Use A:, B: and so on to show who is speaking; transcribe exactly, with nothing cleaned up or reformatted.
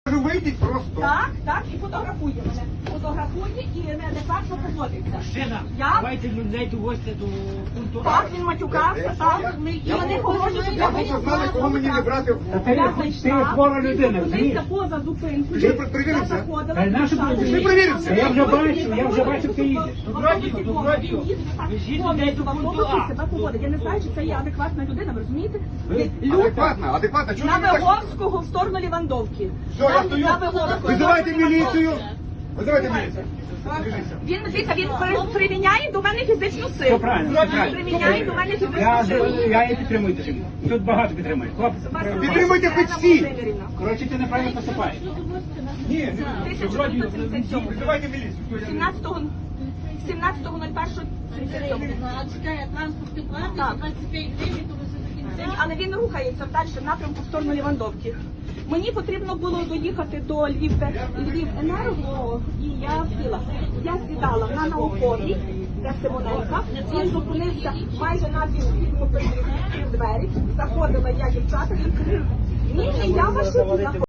A: Кажу, вийдіть просто.
B: Так, так, і фотографує мене. Фотографує і неадекватно поводиться.
C: Мужчина,
B: Я?
C: давайте людей довозьте до пункту А.
B: Так, він матюкався, так, ми і вони погрожують.
A: Я хочу знати, кого мені не брати.
C: Та ти,
B: Я
C: ти
B: зайшла,
C: хвора людина,
B: він
C: розумієш?
B: зупинився поза зупинкою.
A: Ти перевірився?
B: Я заходила,
C: Та й нашу
B: пішла.
C: перевірився?
A: Ти перевірився?
C: Я вже бачу, я вже бачу, ти їдеш.
B: В
C: Тут радіо,
B: автобусі
C: тут
B: повно,
C: радіо.
B: він їде так,
C: Везіть
B: повністю
C: людей до
B: в
C: пункту
B: автобусі
C: А.
B: себе поводить. Я не знаю, чи це є адекватна людина, ви розумієте?
C: Ви-
B: Люта.
A: Адекватно, адекватно. Чого
B: На
A: ви так?
B: Виговського в сторону Лівандовки.
A: Все, я
B: Там,
A: стою.
B: на Виговського,
A: Визивайте
B: в сторону
A: міліцію.
B: Лівандовки.
A: Визивайте міліцію.
B: Він, дивіться, він при- приміняє до мене фізичну
C: Все
B: силу.
C: правильно, все правильно.
B: Приміняє до мене
C: Я,
B: фізичну силу.
C: я її підтримую дуже. Тут багато підтримує. Хлопці,
A: Підтримуйте хоч всі.
C: коротше, ти неправильно поступаєш.
A: Ні,
B: тисяча дев'ятсот сімдесят сьомого.
A: визивайте міліцію.
B: сімнадцятого сімнадцятого нуль першого сімдесят сьомого.
D: Чекає транспортний план,
B: Так.
D: двадцять п'ять гривень, то ви до кінця.
B: Але він рухається далі в напрямку в сторону Лівандовки. Мені потрібно було доїхати до Львів, Львівенерго, і я сіла. Я сідала на науковій, де Симоненка. Він зупинився майже на дві двері. Заходила я, дівчата, він крив. Ні, ні, я вашу